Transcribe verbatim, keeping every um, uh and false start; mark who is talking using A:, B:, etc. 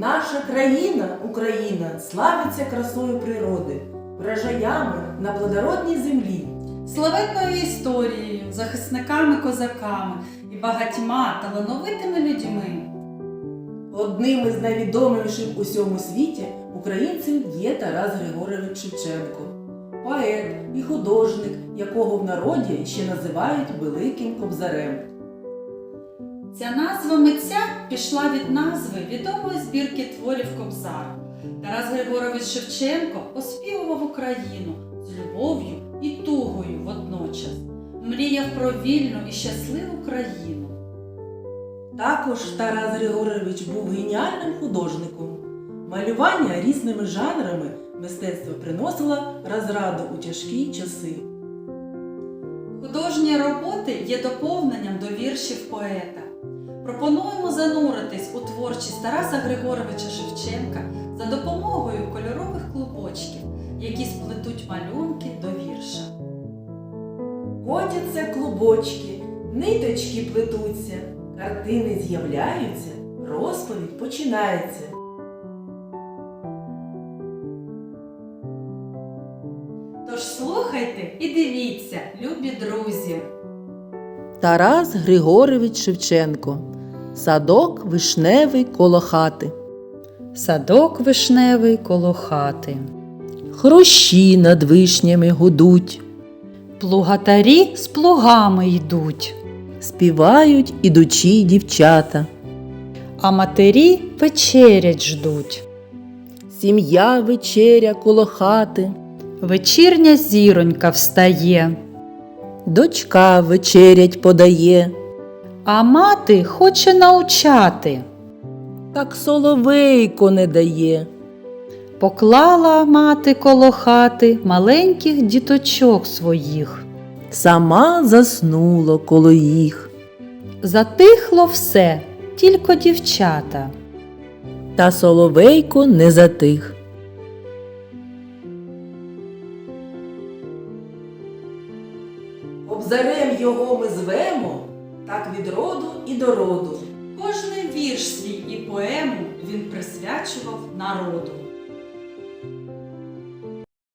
A: Наша країна, Україна, славиться красою природи, врожаями на плодородній землі.
B: Славетною історією, захисниками-козаками і багатьма талановитими людьми.
A: Одним із найвідоміших у всьому світі українців є Тарас Григорович Шевченко, поет і художник, якого в народі ще називають Великим Кобзарем.
B: Ця назва митця пішла від назви відомої збірки творів Кобзар. Тарас Григорович Шевченко оспівував Україну з любов'ю і тугою водночас. Мріяв про вільну і щасливу країну.
A: Також Тарас Григорович був геніальним художником. Малювання різними жанрами мистецтва приносило розраду у тяжкі часи.
B: Художні роботи є доповненням до віршів поета. Пропонуємо зануритись у творчість Тараса Григоровича Шевченка за допомогою кольорових клубочків, які сплетуть малюнки до вірша.
A: Котяться клубочки, ниточки плетуться, картини з'являються, розповідь починається.
B: Тож слухайте і дивіться, любі друзі!
A: Тарас Григорович Шевченко. Садок вишневий коло хати.
B: Садок вишневий коло хати.
A: Хрущі над вишнями гудуть.
B: Плугатарі з плугами йдуть.
A: Співають ідучі дівчата.
B: А матері вечерять ждуть.
A: Сім'я вечеря коло хати.
B: Вечірня зіронька встає.
A: Дочка вечерять подає.
B: А мати хоче навчати.
A: Так соловейко не дає.
B: Поклала мати коло хати маленьких діточок своїх.
A: Сама заснула коло їх.
B: Затихло все, тільки дівчата.
A: Та соловейко не затих. Кобзарем його ми звемо, так від роду і до роду.
B: Кожний вірш свій і поему він присвячував народу.